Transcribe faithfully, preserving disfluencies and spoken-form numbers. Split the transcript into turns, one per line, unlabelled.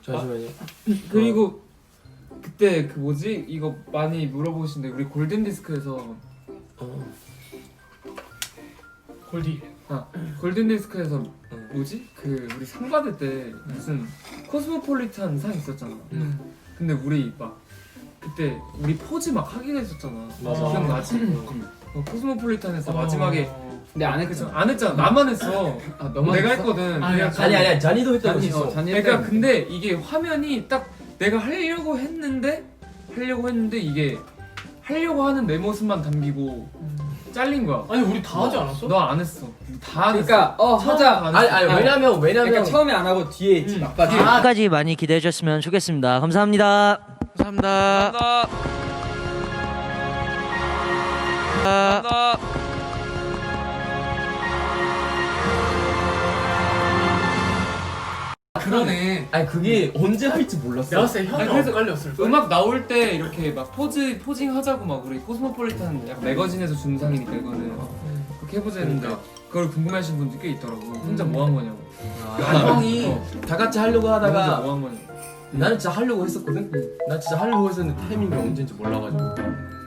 잠시만요.
그리고 그때 그 뭐지 이거 많이 물어보시는데 우리 골든 디스크에서
어.
골디.
아 골든 디스크에서 뭐지 그 우리 상 받을 때 무슨 코스모폴리탄 상 있었잖아.
음.
근데 우리 막 그때 우리 포즈 막 하기로 했었잖아.
맞아.
기억나지?
음.
어, 코스모폴리탄에서 마지막에
근데 안
그쵸?
했죠.
안 했잖아. 나만 했어.
아 너무
내가
했어?
했거든.
아니,
그래서
아니 아니야 잔이도 했다고
잔이
했어.
어 잔이
그러니까
했다고.
근데 이게 화면이 딱 내가 하려고 했는데 하려고 했는데 이게 하려고 하는 내 모습만 담기고 잘린 거야.
아니 우리 다 하지 않았어?
너 안 했어. 다 안
그러니까 어
했어.
하자.
처음 안
아니
했어.
아니 왜냐면 왜냐면
그러니까 처음에 안 하고 뒤에 있지
음.
막바지.
끝까지 많이 기대해 주셨으면 좋겠습니다. 감사합니다.
감사합니다. 감사합니다.
그러네.
아니 그게 언제 할지 몰랐어.
내가 봤을 때 형이
아니, 그래서
엇갈렸을 거야.
음악 나올 때 이렇게 막 포즈 포징 하자고 막 우리 코스모폴리탄 약간 매거진에서 준 상이니까 이거는 그렇게 해보자 했는데
그러니까.
그걸 궁금해하시는 분들 꽤 있더라고. 혼자 뭐 한 거냐고.
아, 형이
어.
다 같이 하려고
혼자
하다가
뭐 한 거냐고.
나는 진짜 하려고 했었거든. 난 진짜 하려고 했었는데 타이밍이 언제인지 몰라가지고.